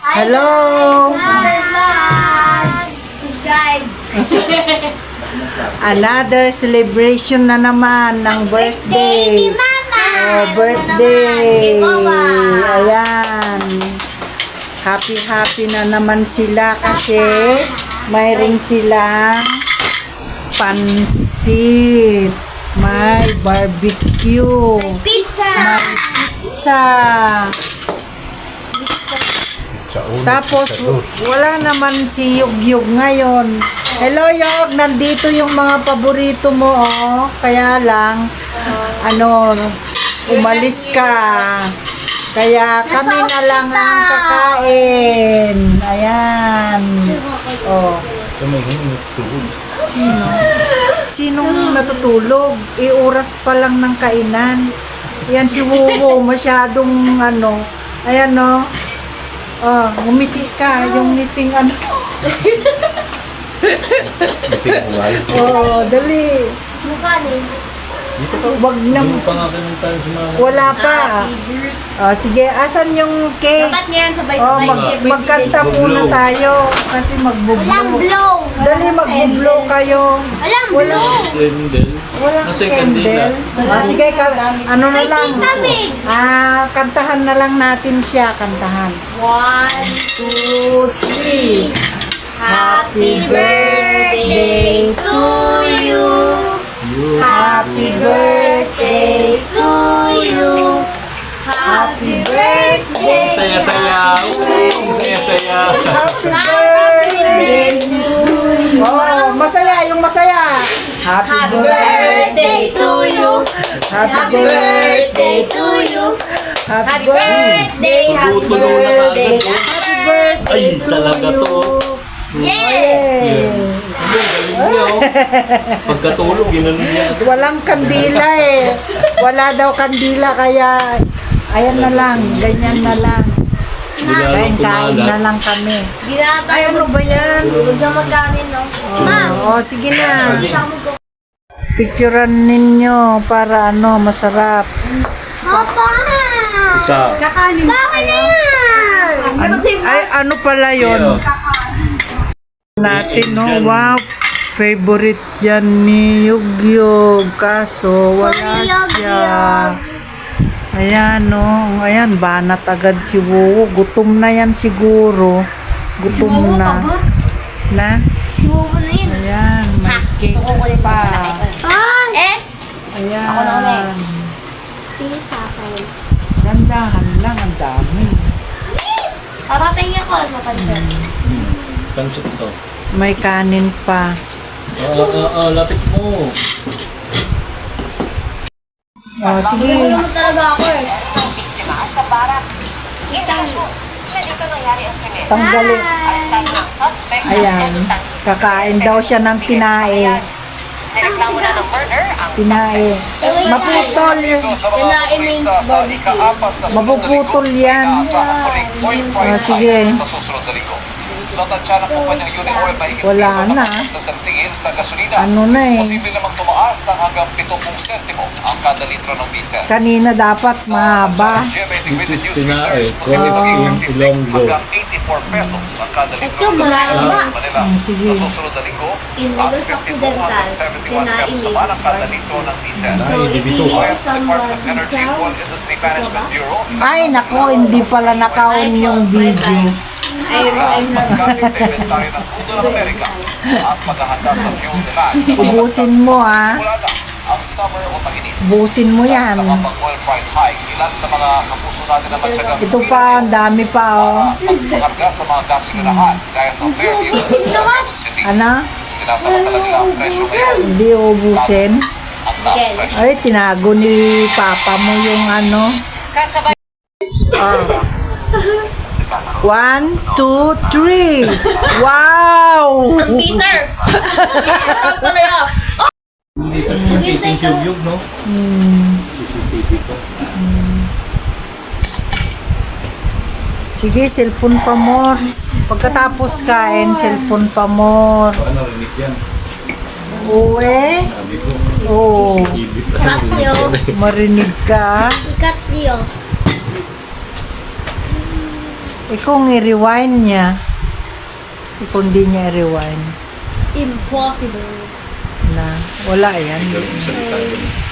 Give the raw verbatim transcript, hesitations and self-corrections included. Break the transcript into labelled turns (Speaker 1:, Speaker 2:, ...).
Speaker 1: Hello!
Speaker 2: Subscribe!
Speaker 1: Another celebration na naman ng birthday.
Speaker 2: Ni Mama!
Speaker 1: Oh, birthday!
Speaker 2: Ni Mama!
Speaker 1: Ayan. Happy-happy na naman sila kasi mayroon silang pansit. May barbecue.
Speaker 2: Pizza!
Speaker 1: Pizza. Tapos, wala naman si Yug-Yug ngayon. Hello, Yog! Nandito yung mga paborito mo, oh. Kaya lang, ano, umalis ka. Kaya kami na lang ang kakain. Ayan. Oh. Sino? Sinong natutulog? E, oras pa lang ng kainan. Ayan si Wuwo, masyadong ano. Ayan, no? Oh, ngumiti ka. Yung ngiting ano. Oh, dali.
Speaker 2: Mukha ni.
Speaker 3: Dito ka.
Speaker 1: Wag na.
Speaker 3: Hindi mo pa nga kinuntahan sa mga...
Speaker 1: Wala pa. Oh, sige, asan yung cake?
Speaker 2: Dapat ngayon
Speaker 1: Oh,
Speaker 2: sabay-sabay.
Speaker 1: mag magkanta muna tayo. Kasi
Speaker 2: Walang
Speaker 1: magbublo.
Speaker 2: blow!
Speaker 1: Dali, magbublo kayo.
Speaker 2: Walang
Speaker 1: Wala.
Speaker 2: blow!
Speaker 3: Candle.
Speaker 1: Walang
Speaker 3: Nasa kandila.
Speaker 1: candle. Ah, sige, ka, ano na
Speaker 2: Kay
Speaker 1: lang.
Speaker 2: Tita Meg.
Speaker 1: Ah, kantahan na lang natin siya. Kantahan.
Speaker 2: One,
Speaker 1: Two, three.
Speaker 2: happy birthday to you. Happy birthday to you. Happy birthday.
Speaker 3: Saya-saya. Ang saya-saya.
Speaker 1: Happy
Speaker 2: birthday
Speaker 1: birthday.
Speaker 2: to you.
Speaker 1: Oh, masaya, yung masaya. Happy
Speaker 2: Happy
Speaker 1: birthday.
Speaker 2: birthday to you. Happy birthday to you. Happy birthday. Happy
Speaker 3: Tutulong na
Speaker 2: birthday.
Speaker 3: kaagad.
Speaker 2: Happy birthday.
Speaker 3: Ay, talaga to.
Speaker 2: Yeah!
Speaker 1: Yeah.
Speaker 3: Ano, galing niya, oh. Pagkatulog, yun ano niya.
Speaker 1: Walang kandila eh. Wala daw kandila kaya ayan na lang, ganyan na lang.
Speaker 3: Bilalang
Speaker 1: Kain-kain na
Speaker 3: kumalat.
Speaker 1: lang kami.
Speaker 2: Binata
Speaker 1: Ay, ano ba yan?
Speaker 2: Huwag na magkanin, no? Ma'am!
Speaker 1: Oo, oh, sige na. Picturean ninyo para ano, masarap.
Speaker 2: Papa!
Speaker 3: Isa.
Speaker 2: Kakanin Bakit na yan?
Speaker 1: Ano, ay, ano pala yon natin, no? Wow, favorite yan ni Yug-Yug. Kaso, wala siya. Ayan, no? Ayan, banat agad si Wuwo. Gutom na yan siguro. Gutom na. Na?
Speaker 2: Si Wobo na yun.
Speaker 1: Ayan, may cake pa.
Speaker 2: Ah! Eh?
Speaker 1: Ayan.
Speaker 2: Ako na ulit. Tingin sa akin.
Speaker 1: Dandahan lang, ang dami.
Speaker 2: Yes! Papatingin ko, mapansin.
Speaker 3: Pansit to.
Speaker 1: May kanin pa.
Speaker 3: Ah, ah, ah, lapit mo.
Speaker 1: Oh, sige.
Speaker 2: Ano talaga ako eh.
Speaker 4: Biktima sa barracks. Indikasyon na dito nangyari ang krimen.
Speaker 1: Tanggalin.
Speaker 4: Arestado ng suspect na
Speaker 1: Ayan.
Speaker 4: pinatutang-
Speaker 1: Kakain daw siya ng tinae.
Speaker 4: Nireklamo na ng murder ang
Speaker 1: Tinae.
Speaker 4: suspect.
Speaker 1: Maputol yun.
Speaker 2: Yan na i-main barbecue.
Speaker 1: Mapuputol yan. Oh, sige.
Speaker 5: Sa susunod na linggo. Sa tansya ng kumpanyang Uni Oil, mahigit
Speaker 1: Wala
Speaker 5: piso
Speaker 1: na.
Speaker 5: nakapagdag ng singil sa gasolina.
Speaker 1: Ano na eh.
Speaker 5: Posible namang tumaas ng hanggang pitong sentimo ang kada litro ng diesel.
Speaker 1: Kanina dapat mahaba.
Speaker 5: G M A Integrated News
Speaker 3: Tinae,
Speaker 5: Research, posible
Speaker 3: oh.
Speaker 5: maging fifty-six
Speaker 3: Ilonggo.
Speaker 5: hanggang eighty-four pesos ang kada litro
Speaker 2: Ito,
Speaker 5: ng
Speaker 2: malayo
Speaker 5: gasolina
Speaker 2: ba?
Speaker 5: sa Manila.
Speaker 1: sige.
Speaker 5: Sa susunod na linggo,
Speaker 2: In
Speaker 5: ang
Speaker 2: Negros
Speaker 5: fifty-two hanggang seventy-one
Speaker 2: Occidental,
Speaker 5: pesos
Speaker 2: Tinae
Speaker 5: naman ang kada
Speaker 2: Main
Speaker 5: litro ng diesel.
Speaker 2: So,
Speaker 3: Ay,
Speaker 2: if
Speaker 3: dibito.
Speaker 2: you
Speaker 5: U S
Speaker 2: some
Speaker 5: Department of Energy
Speaker 2: diesel,
Speaker 5: Coal Industry Management Bureau,
Speaker 1: Ay, nako, hindi pala nakaon yung video.
Speaker 2: I'm not
Speaker 5: paggamit sa inventory ng Pudo ng Amerika at paghahanda sa fuel demand.
Speaker 1: Ubusin mo, ah.
Speaker 5: Simula na ang summer o tag-init.
Speaker 1: Busin mo yan.
Speaker 5: Sa nakapag-oil price hike, ilan sa mga kapuso natin na matyagang
Speaker 1: Ito pa, ang dami pa, oh.
Speaker 5: pagpakarga sa mga gasolinahan gaya sa Fairview sa Quezon City.
Speaker 1: Ano?
Speaker 5: Sinasamantala nila ang presyo ngayon.
Speaker 1: Hindi ubusin.
Speaker 5: Ang taas presyo.
Speaker 1: Ay, tinago ni Papa mo yung ano.
Speaker 4: Kasabay
Speaker 1: Ah. One, two, three. Wow!
Speaker 2: Ang Peter! Saan pa na yun?
Speaker 3: Hindi ka sa kiting subyog, no? C C T V ko.
Speaker 1: Sige, cellphone pa more. Pagkatapos kain, cellphone pa more.
Speaker 3: Ano, rinig yan?
Speaker 1: Uwe.
Speaker 3: Sabi ko.
Speaker 1: Oh,
Speaker 3: T V pa.
Speaker 2: Cut nyo.
Speaker 1: marinig ka.
Speaker 2: I-cut nyo.
Speaker 1: Eh kung i-rewind niya, eh kung di niya i-rewind,
Speaker 2: Impossible.
Speaker 1: na wala yan.
Speaker 3: Ikaw yung salita doon.